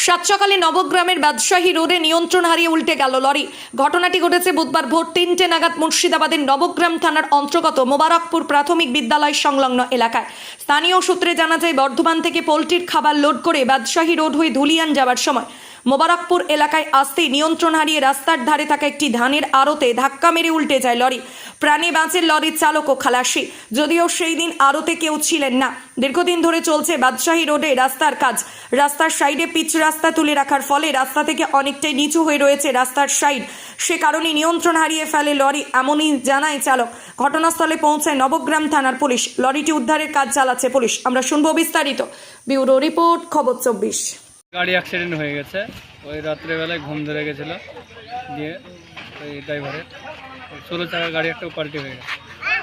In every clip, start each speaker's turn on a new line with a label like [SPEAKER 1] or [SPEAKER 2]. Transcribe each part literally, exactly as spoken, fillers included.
[SPEAKER 1] সাত সকালে নবগ্রামের বাদশাহী রোডে নিয়ন্ত্রণ হারিয়ে উল্টে গেল লরি। ঘটনাটি ঘটেছে বুধবার ভোর তিনটে নাগাদ মুর্শিদাবাদের নবগ্রাম থানার অন্তর্গত মোবারকপুর প্রাথমিক বিদ্যালয় সংলগ্ন এলাকায়। স্থানীয় সূত্রে জানা যায়, বর্ধমান থেকে পোলট্রির খাবার লোড করে বাদশাহী রোড হয়ে ধুলিয়ান যাওয়ার সময় মোবারকপুর এলাকায় আসতেই নিয়ন্ত্রণ হারিয়ে রাস্তার ধারে থাকা একটি ধানের আড়তে ধাক্কা মেরে উল্টে যায় লরি। প্রাণে বাঁচেন লরির চালক ও খালাসি, যদিও সেই দিন আড়তে কেউ ছিলেন না। দীর্ঘদিন ধরে চলছে বাদশাহী রোডে রাস্তার কাজ। রাস্তার সাইডে পিচ রাস্তা তুলে রাখার ফলে রাস্তা থেকে অনেকটাই নিচু হয়ে রয়েছে রাস্তার সাইড, সে কারণে নিয়ন্ত্রণ হারিয়ে ফেলে লরি, এমনই জানায় চালক। ঘটনাস্থলে পৌঁছায় নবগ্রাম থানার পুলিশ। লরিটি উদ্ধারের কাজ চালাচ্ছে পুলিশ। আমরা শুনবো বিস্তারিত। ব্যুরো রিপোর্ট, খবর চব্বিশ।
[SPEAKER 2] গাড়ি অ্যাক্সিডেন্ট হয়ে গেছে, ওই রাত্রেবেলায় ঘুম ধরে গেছিল, দিয়ে ওই ড্রাইভারের ষোলো চাকা গাড়ি একটা পাল্টি হয়ে গেছে।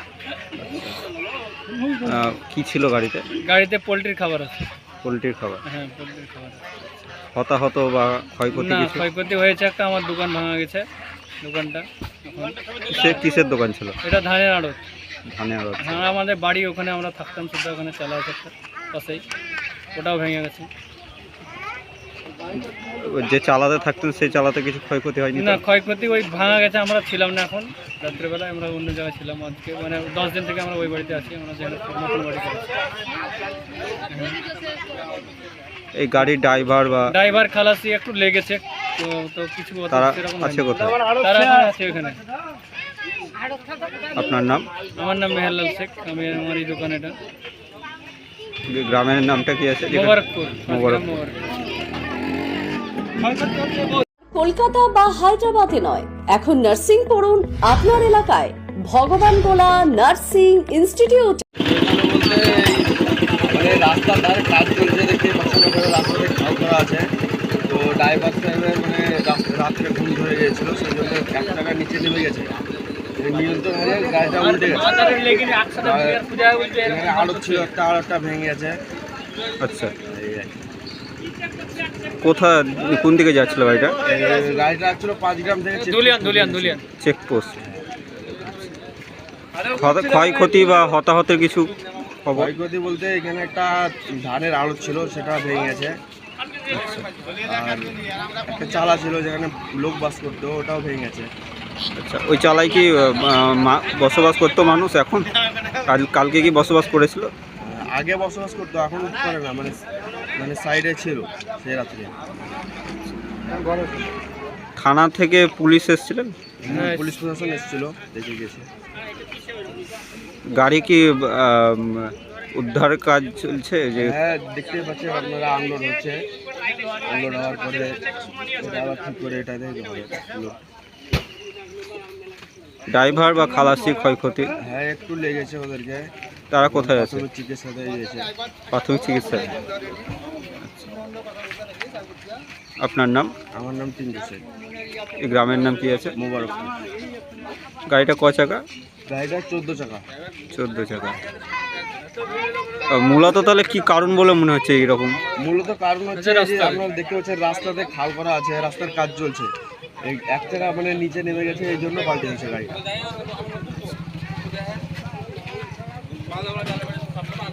[SPEAKER 3] কি ছিল গাড়িতে?
[SPEAKER 2] গাড়িতে পোলট্রির খাবার আছে।
[SPEAKER 3] পোলট্রির খাবার?
[SPEAKER 2] হ্যাঁ, পোলট্রির খাবার।
[SPEAKER 3] হতাহত বা ক্ষয়ক্ষতি?
[SPEAKER 2] না,
[SPEAKER 3] কিছু
[SPEAKER 2] ক্ষয়ক্ষতি হয়েছে, একটা আমার দোকান ভাঙা গেছে। দোকানটা এখন
[SPEAKER 3] কিসের কিসের দোকান ছিল?
[SPEAKER 2] এটা ধানের আড়ত।
[SPEAKER 3] ধানের আড়ত?
[SPEAKER 2] হ্যাঁ, আমাদের বাড়ি ওখানে, আমরা থাকতাম শুধু, ওখানে চালা আছে একটা পাশেই, ওটাও ভেঙে গেছে।
[SPEAKER 3] যে চালাতে থাকতেন সেই চালাতে কিছু ক্ষয়ক্ষতি হয়নি?
[SPEAKER 2] না, ক্ষয়ক্ষতি ওই ভাঙা গেছে, আমরা ছিলাম না এখন, রাত্রেবেলায় আমরা অন্য জায়গায় ছিলাম। আজকে মানে দশ দিন থেকে আমরা ওই বাড়িতে আছি, আমরা যেখানে নতুন বাড়ি করেছি।
[SPEAKER 3] এই গাড়ির ড্রাইভার বা
[SPEAKER 2] ড্রাইভার খালাসি একটু লেগেছে, তো তো কিছু
[SPEAKER 3] তারা
[SPEAKER 2] সেরকম
[SPEAKER 3] আছে
[SPEAKER 2] হয়নি।
[SPEAKER 3] কোথায়?
[SPEAKER 2] তারা এখন আছে ওখানে।
[SPEAKER 3] আপনার নাম?
[SPEAKER 2] আমার নাম মেহেরলাল শেখ, আমি আমার এই দোকান এটা।
[SPEAKER 3] গ্রামের নামটা কি আছে?
[SPEAKER 2] মোবারকপুর।
[SPEAKER 3] মোবারকপুর।
[SPEAKER 4] কলকাতা বা হায়দ্রাবাদে নয়, এখন নার্সিং পড়ুন আপনার এলাকায় ভগবান গোলা নার্সিং ইনস্টিটিউট।
[SPEAKER 5] মানে রাস্তার ধারে কাজ চলছে দেখে পছন্দ করে রাস্তাতে খাল করা আছে, তো ড্রাইভার সাহেবের মানে রাত্রে ঘুম ধরে গিয়েছিল, সেই জন্য এক টাকার নিচে নেমে গেছে। নিয়ন্ত্রণ হারিয়ে গাড়িটা উল্টে গেছে। এখানে আড়ত ছিল, একটা আড়তটা ভেঙে গেছে।
[SPEAKER 3] আচ্ছা, কোথায় কোন দিকে যাচ্ছিল গাড়িটা?
[SPEAKER 5] গাড়িটা আসছিল পাঁচগ্রাম থেকে
[SPEAKER 2] দুলিয়ান দুলিয়ান দুলিয়ান
[SPEAKER 3] চেকপোস্ট। ক্ষয়ক্ষতি বা হতাহতের কিছু খবর?
[SPEAKER 5] ক্ষয়ক্ষতি বলতে এখানে একটা ধানের আড়ত ছিল, সেটা ভেঙে গেছে। আর একটা চালা ছিল যেখানে লোক বাস করতো, ওটাও ভেঙে গেছে।
[SPEAKER 3] আচ্ছা, ওই চালাই কি বসবাস করতো মানুষ এখন? কাল কালকে কি বসবাস করেছিল?
[SPEAKER 5] আগে বসবাস করতো, এখন করে না, মানে মানে সাইডে ছিল সেই রাত্রে।
[SPEAKER 3] থানা থেকে পুলিশ এসেছিলেন?
[SPEAKER 5] পুলিশ প্রশাসন এসেছিল, দেখে গেছে।
[SPEAKER 3] গাড়ি কি উদ্ধার কাজ চলছে? যে
[SPEAKER 5] হ্যাঁ, দেখতে পাচ্ছেন আপনারা, আনলোড হচ্ছে। আনলোড হওয়ার পরে এটা আবার ঠিক করে এটা দেখতে হবে।
[SPEAKER 3] ড্রাইভার বা খালাসি ক্ষয়ক্ষতি?
[SPEAKER 5] হ্যাঁ, একটু লেগেছে ওদেরকে।
[SPEAKER 3] তারা কোথায় আছে?
[SPEAKER 5] চিকিৎসাতে গিয়েছে।
[SPEAKER 3] প্রাথমিক চিকিৎসায়। আপনার নাম?
[SPEAKER 5] আমার নাম টিঙ্কু শেখ।
[SPEAKER 3] এই গ্রামের নাম কি আছে?
[SPEAKER 5] মোবারকপুর।
[SPEAKER 3] গাড়িটা ক চাকা?
[SPEAKER 5] গাড়িটা চোদ্দ চাকা।
[SPEAKER 3] চোদ্দ চাকা। মূলত তাহলে কি কারণ বলে মনে হচ্ছে এইরকম?
[SPEAKER 5] মূলত কারণ হচ্ছে যে আপনারা দেখতে পাচ্ছেন রাস্তাতে খাল করা আছে, রাস্তার কাজ চলছে, এই এক চাকা মানে নিচে নেমে গেছে, এই জন্য পাল্টে গেছে গাড়িটা।